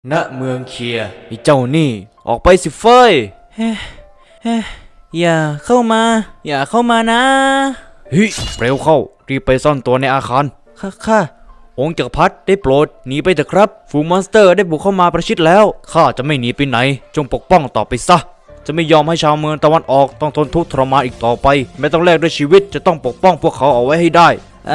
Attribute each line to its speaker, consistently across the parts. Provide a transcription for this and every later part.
Speaker 1: ณเมืองเคียไอ้เจ้านี่ออกไปสิเฟย
Speaker 2: อย่าเข้ามาอย่าเข้ามานะ
Speaker 1: เฮ้ยเร็วเข้ารีบไปซ่อนตัวในอาคาร
Speaker 2: ค่ะ
Speaker 1: องค์จักรพรรดิได้โปรดหนีไปเถอะครับฝูงมอนสเตอร์ได้บุกเข้ามาประชิดแล้วข้าจะไม่หนีไปไหนจงปกป้องต่อไปซะจะไม่ยอมให้ชาวเมืองตะวันออกต้องทนทุกข์ทรมานอีกต่อไปไม่ต้องแลกด้วยชีวิตจะต้องปกป้องพวกเขาเอาไว้ให้ได้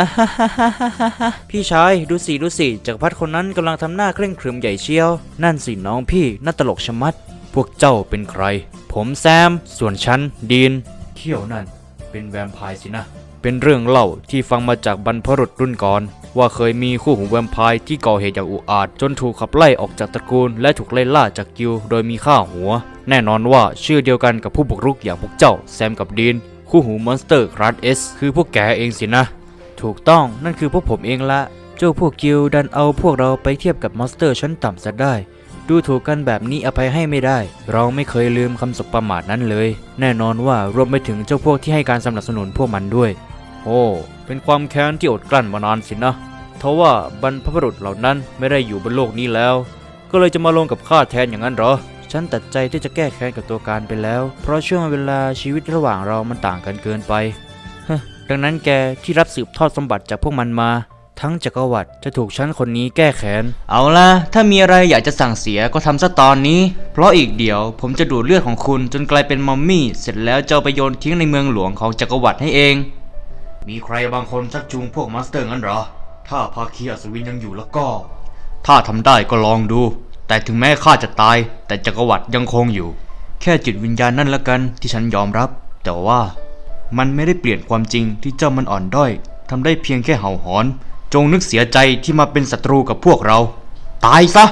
Speaker 1: พี่ชายดูสิจักรพรรดิคนนั้นกำลังทำหน้าเคร่งครึมใหญ่เชียวนั่นสิน้องพี่น่าตลกชะมัดพวกเจ้าเป็นใครผมแซมส่วนฉันดีนเขี้ยวนั่นเป็นแวมไพร์สินะเป็นเรื่องเล่าที่ฟังมาจากบรรพบุรุษรุ่นก่อนว่าเคยมีคู่หูแวมไพร์ที่ก่อเหตุอย่างอุกอาจจนถูกขับไล่ออกจากตระกูลและถูกไล่ล่าจากกิลด์โดยมีค่าหัวแน่นอนว่าชื่อเดียวกันกับผู้บุกรุกอย่างพวกเจ้าแซมกับดีนคู่หูมอนสเตอร์คลาสเอสคือพวกแกเองสินะถูกต้องนั่นคือพวกผมเองละเจ้าพวกกิลด์ดันเอาพวกเราไปเทียบกับมอนสเตอร์ชั้นต่ำซะได้ดูถูกกันแบบนี้อภัยให้ไม่ได้เราไม่เคยลืมคำสบประมาทนั้นเลยแน่นอนว่ารวมไปถึงเจ้าพวกที่ให้การสนับสนุนพวกมันด้วยโอ้เป็นความแค้นที่อดกลั้นมานานสินะทว่าบรรพบุรุษเหล่านั้นไม่ได้อยู่บนโลกนี้แล้วก็เลยจะมาลงกับข้าแทนอย่างนั้นเหรอฉันตัดใจที่จะแก้แค้นกับตัวการไปแล้วเพราะช่วงเวลาชีวิตระหว่างเรามันต่างกันเกินไปดังนั้นแกที่รับสืบทอดสมบัติจากพวกมันมาทั้งจักรวรรดิจะถูกฉันคนนี้แก้แค้นเอาล่ะถ้ามีอะไรอยากจะสั่งเสียก็ทำซะตอนนี้เพราะอีกเดี๋ยวผมจะดูดเลือดของคุณจนกลายเป็นมัมมี่เสร็จแล้วจะไปโยนทิ้งในเมืองหลวงของจักรวรรดิให้เองมีใครบางคนชักจูงพวกมาสเตอร์งั้นเหรอถ้าภาคีอัศวินยังอยู่แล้วก็ถ้าทำได้ก็ลองดูแต่ถึงแม้ข้าจะตายแต่จักรวรรดิยังคงอยู่แค่จิตวิญญาณนั่นละกันที่ฉันยอมรับแต่ว่ามันไม่ได้เปลี่ยนความจริงที่เจ้ามันอ่อนด้อยทำได้เพียงแค่เห่าหอนจงนึกเสียใจที่มาเป็นศัตรูกับพวกเราตายซะ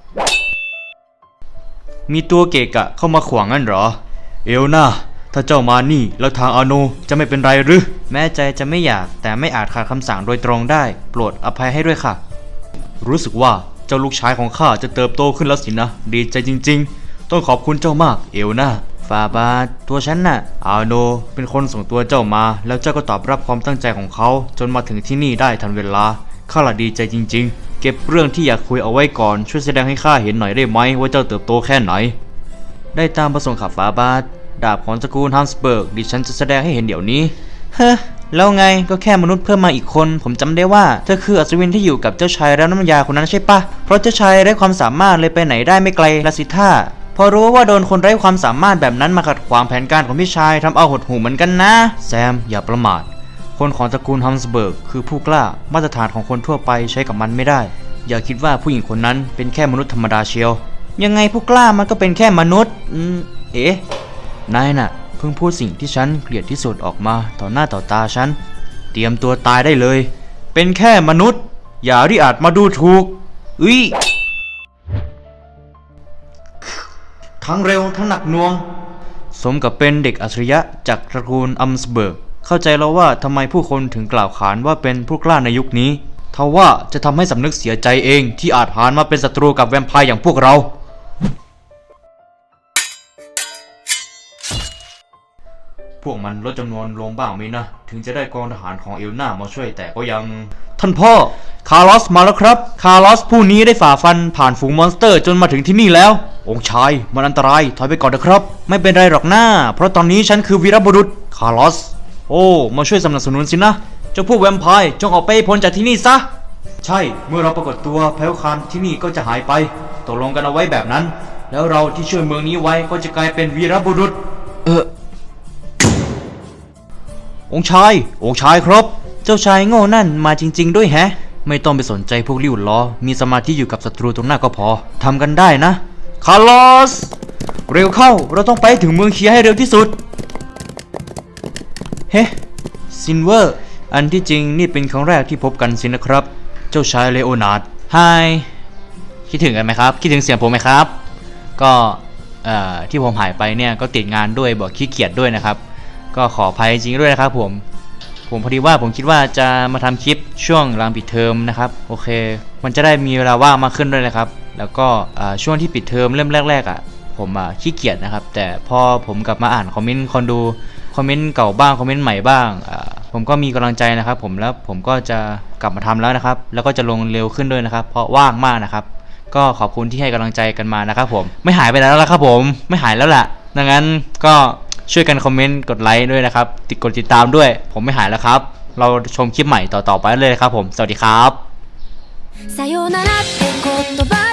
Speaker 1: มีตัวเกกะเข้ามาขวางงั้นเหรอเอลนาถ้าเจ้ามานี่แล้วทางอาโนจะไม่เป็นไรหรือแม้ใจจะไม่อยากแต่ไม่อาจขาดคำสั่งโดยตรงได้โปรดอภัยให้ด้วยค่ะรู้สึกว่าเจ้าลูกชายของข้าจะเติบโตขึ้นแล้วสินะดีใจจริงๆต้องขอบคุณเจ้ามากเอลนาฟาบาตัวฉันน่ะอาโนเป็นคนส่งตัวเจ้ามาแล้วเจ้าก็ตอบรับความตั้งใจของเขาจนมาถึงที่นี่ได้ทันเวลาข้าละดีใจจริงๆเก็บเรื่องที่อยากคุยเอาไว้ก่อนช่วยแสดงให้ข้าเห็นหน่อยได้ไหมว่าเจ้าเติบโตแค่ไหนได้ตามประสงค์ขับฟาบาดาบของตระกูลฮัมสเบิร์กดิฉันจะแสดงให้เห็นเดี๋ยวนี้แล้วไงก็แค่มนุษย์เพิ่มมาอีกคนผมจำได้ว่าเธอคืออัศวินที่อยู่กับเจ้าชายแล้วน้ำยาคนนั้นใช่ปะเพราะเจ้าชายไร้ความสามารถเลยไปไหนได้ไม่ไกลละสิท่าพอรู้ว่าโดนคนไร้ความสามารถแบบนั้นมาขัดขวางแผนการของพี่ชายทำเอาหดหู่เหมือนกันนะแซมอย่าประมาทคนของตระกูลฮัมสเบิร์กคือผู้กล้ามาตรฐานของคนทั่วไปใช้กับมันไม่ได้อย่าคิดว่าผู้หญิงคนนั้นเป็นแค่มนุษย์ธรรมดาเชียวยังไงผู้กล้ามันก็เป็นแค่มนุษย์เอ๊ะนายน่ะเพิ่งพูดสิ่งที่ฉันเกลียดที่สุดออกมาต่อหน้าต่อตาฉันเตรียมตัวตายได้เลยเป็นแค่มนุษย์อย่าริอาจมาดูถูกทั้งเร็วทั้งหนักหน่วงสมกับเป็นเด็กอัจฉริยะจากตระกูลอัมสเบิร์กเข้าใจแล้วว่าทำไมผู้คนถึงกล่าวขานว่าเป็นผู้กล้าในยุคนี้ทว่าจะทำให้สำนึกเสียใจเองที่อาจหารมาเป็นศัตรูกับแวมไพร์อย่างพวกเราพวกมันลดจำนวนลงบ้างไหมนะถึงจะได้กองทหารของเอลนามาช่วยแต่ก็ยังท่านพ่อคาร์ลอสมาแล้วครับคาร์ลอสผู้นี้ได้ฝ่าฟันผ่านฝูงมอนสเตอร์จนมาถึงที่นี่แล้วองค์ชายมันอันตรายถอยไปก่อนนะครับไม่เป็นไรหรอกนะเพราะตอนนี้ฉันคือวีรบุรุษคาร์ลอสโอ้มาช่วยสนับสนุนสินะเจ้าพวกแวมไพร์จงออกไปพ้นจากที่นี่ซะใช่เมื่อเราปรากฏตัวแพลวคานที่นี่ก็จะหายไปตกลงกันเอาไว้แบบนั้นแล้วเราที่ช่วยเมืองนี้ไว้ก็จะกลายเป็นวีรบุรุษองค์ชายครับเจ้าชายโง่นั่นมาจริงๆด้วยแฮะไม่ต้องไปสนใจพวกลิ่วล้อมีสมาธิอยู่กับศัตรูตรงหน้าก็พอทำกันได้นะคาร์ลอสเร็วเข้าเราต้องไปถึงเมืองเคียให้เร็วที่สุดเฮ้ซินเวอร์อันที่จริงนี่เป็นครั้งแรกที่พบกันสินะครับเจ้าชายเลโอนาร์ดไฮคิดถึงกันไหมครับคิดถึงเสียงผมไหมครับก็ที่ผมหายไปเนี่ยก็ติดงานด้วยบอกขี้เกียจด้วยนะครับก็ขออภัยจริงด้วยนะครับผมพอดีว่าผมคิดว่าจะมาทำคลิปช่วงหลังปิดเทอมนะครับโอเคมันจะได้มีเวลาว่างมากขึ้นด้วยนะครับแล้วก็ช่วงที่ปิดเทอมเริ่มแรกๆผมขี้เกียจนะครับแต่พอผมกลับมาอ่านคอมเมนต์คนดูคอมเมนต์เก่าบ้างคอมเมนต์ใหม่บ้างผมก็มีกำลังใจนะครับผมแล้วผมก็จะกลับมาทำแล้วนะครับแล้วก็จะลงเร็วขึ้นด้วยนะครับเพราะว่างมากนะครับก็ขอบคุณที่ให้กำลังใจกันมานะครับผมไม่หายไปแล้วละครับผมไม่หายแล้วล่ะดังนั้นก็ช่วยกันคอมเมนต์กดไลค์ด้วยนะครับกดติดตามด้วยผมไม่หายแล้วครับเราชมคลิปใหม่ต่อๆไปเลยครับผมสวัสดีครับ
Speaker 3: さよならって言葉